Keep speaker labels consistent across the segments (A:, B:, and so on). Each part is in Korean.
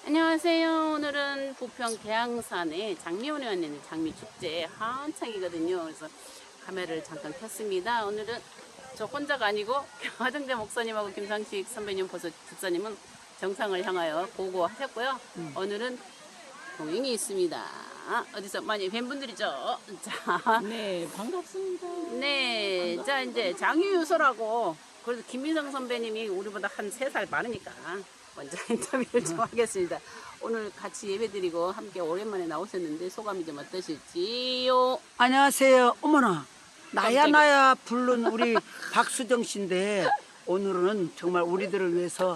A: 안녕하세요. 오늘은 부평 계양산에 장미원에 왔는데 장미축제 한창이거든요. 그래서 카메라를 잠깐 켰습니다. 오늘은 저 혼자가 아니고 화정재 목사님하고 김상식 선배님 보서 집사님은 정상을 향하여 고고하셨고요. 오늘은 동행이 있습니다. 어디서 많이 뵌 분들이죠. 자,
B: 네, 반갑습니다.
A: 네, 자 이제 장유유서라고 그래도 김민성 선배님이 우리보다 한 3살 많으니까 먼저 인터뷰를 좀 하겠습니다. 오늘 같이 예배드리고 함께 오랜만에 나오셨는데 소감이 좀 어떠실지요?
C: 안녕하세요. 어머나
A: 깜짝이야.
C: 나야 부른 우리 박수정 씨인데 오늘은 정말 우리들을 위해서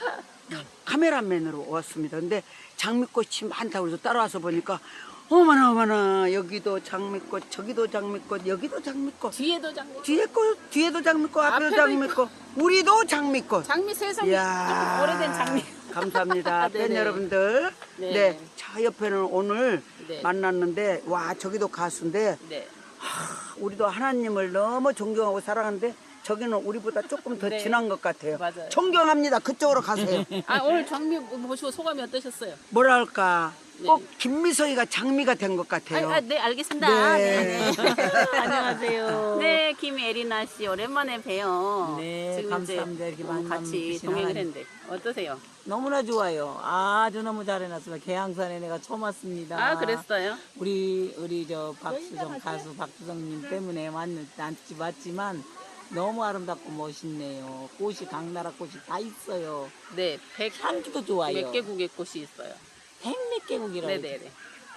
C: 카메라맨으로 왔습니다. 근데 장미꽃이 많다고 해서 따라와서 보니까 어머나 여기도 장미꽃 저기도 장미꽃 여기도 장미꽃
A: 뒤에도 장미,
C: 뒤에도 장미꽃 앞에도
A: 앞에도
C: 장미꽃 우리도 장미꽃.
A: 장미 세상이
C: 이야,
A: 좀 오래된 장미.
C: 감사합니다. 팬
A: 네네.
C: 여러분들.
A: 네.
C: 네. 저 옆에는 오늘
A: 네.
C: 만났는데 와 저기도 가수인데
A: 네.
C: 우리도 하나님을 너무 존경하고 사랑하는데 저기는 우리보다 조금 더
A: 네.
C: 진한 것 같아요.
A: 맞아요.
C: 존경합니다. 그쪽으로 가세요.
A: 아 오늘 장미 보시고 소감이 어떠셨어요?
C: 뭐랄까
A: 네.
C: 꼭 김미서이가 장미가 된 것 같아요.
A: 네 알겠습니다.
C: 네.
B: 안녕하세요.
A: 네, 김예리나 씨 오랜만에 봬요.
B: 네,
A: 지금
B: 감사합니다.
A: 이제
B: 이렇게 만남
A: 같이
B: 주신
A: 동행을
B: 하나님.
A: 했는데 어떠세요?
B: 너무나 좋아요. 아주 너무 잘 해놨습니다. 계양산에 내가 처음 왔습니다.
A: 아 그랬어요?
B: 우리 저 박수정 가수 박수정님 때문에 왔지만 너무 아름답고 멋있네요. 꽃이 각나라 꽃이 다 있어요.
A: 네,
B: 향기도 좋아요.
A: 몇 개국의 꽃이 있어요.
B: 100몇 개국이라고
A: 네네네.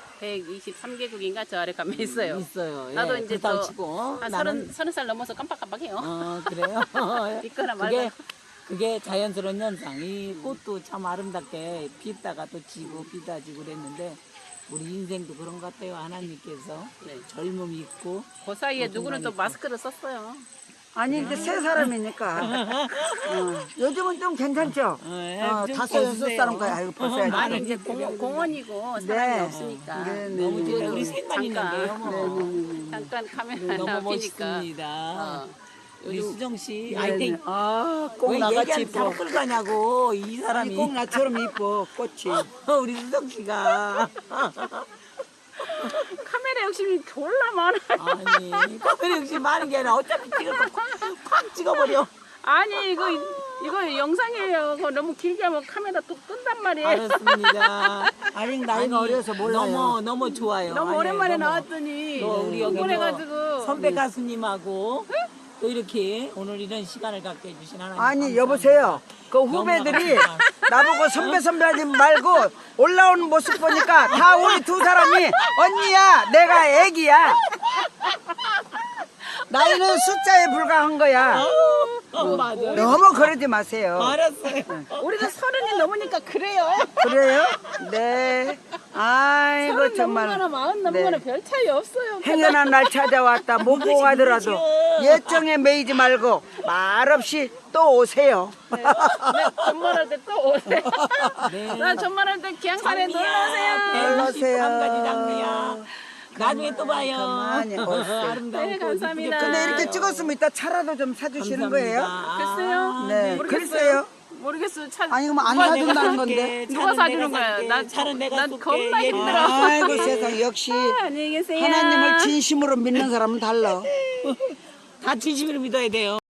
A: 123개국인가 저 아래 가면 있어요.
B: 있어요.
A: 나도
B: 예,
A: 이제
B: 그렇다고
A: 또
B: 치고
A: 한
B: 나는
A: 30살 넘어서 깜빡깜빡해요.
B: 그래요.
A: 있거나
B: 그게
A: 말거나.
B: 그게 자연스러운 현상. 이 꽃도 참 아름답게 피다가 또 지고 피다 지고 그랬는데 우리 인생도 그런 것 같아요. 하나님께서
A: 네.
B: 젊음이 있고
A: 그 사이에
B: 어떤
A: 누구는 또
B: 말이죠?
A: 마스크를 썼어요.
C: 아니 이제 세 사람이니까 요즘은 좀 괜찮죠?
B: 좀
C: 다섯 여섯
B: 써주세요.
C: 사람 거야. 아이고 벌써
A: 아니
C: 야지.
A: 이제 공원이고 사람이 없으니까
C: 네,
B: 너무
C: 네,
B: 좋아요.
C: 네.
B: 우리 셋만 있는데요. 뭐.
A: 잠깐 카메라
B: 너무
A: 앞이니까
B: 멋있습니다. 우리 수정 씨,
C: 네, 네. 꼭
B: 왜
C: 나같이
B: 얘기하는
C: 이뻐.
B: 사람 끌고 가냐고 이 사람이.
C: 꼭 나처럼 이뻐 꽃이.
B: 우리 수정 씨가
A: 카메라 욕심이 졸라 많아.
B: 아니 카메라 역시 많은 게 아니라 어차피 찍을 거 콱 찍어버려.
A: 아니 이거 영상이에요. 그거 너무 길게 하면 카메라 또 끈단 말이에요.
B: 알았습니다.
C: 아직 나이가 어려서 몰라요.
B: 너무 좋아요.
A: 너무
B: 아니,
A: 오랜만에
B: 너무.
A: 나왔더니
B: 또 우리 여기
A: 흥분해가지고
B: 선배 가수님하고 또 이렇게 오늘 이런 시간을 갖게 해주신 하나님
C: 아니
B: 감사합니다.
C: 여보세요. 그 후배들이 나보고 선배 하지 말고 올라오는 모습 보니까 다 우리 두 사람이 언니야 내가 애기야. 나이는 숫자에 불과한 거야.
B: 맞아.
C: 너무 그러지 마세요.
B: 알았어요.
A: 우리도 30이 넘으니까 그래요.
C: 그래요? 네. 아이고
A: 30
C: 정말
A: 넘거나 40 넘거나
C: 네.
A: 별 차이 없어요.
C: 행여난 날 찾아왔다 못 보고 가더라도 예정에 매이지 말고 말없이 또 오세요.
A: 네, 전말할 때 또 오세요.
B: 네.
A: 나 전말할 때 기양산에 놀러 오세요.
C: 놀러 오세요.
B: 한 가지 장미야. 나중에 또 봐요.
C: 가만히 오세요.
B: 아름다운
A: 네,
B: 꽃
A: 감사합니다.
B: 이쁘게
C: 근데 이렇게
B: 펴요.
C: 찍었으면 이따 차라도 좀 사주시는 거예요?
A: 글쎄요.
C: 네.
A: 모르겠어요.
C: 글쎄요.
A: 모르겠어요. 차,
C: 아니 그럼 안
A: 누가
C: 사준다는 건데.
A: 누가 사주는 거야? 난
B: 차는 내가
A: 난
B: 쏠게.
A: 겁나
B: 예린아.
A: 힘들어.
C: 아이고 세상 역시
A: 안녕히 계세요.
C: 하나님을 진심으로 믿는 사람은 달라.
B: 다 진심으로 믿어야 돼요.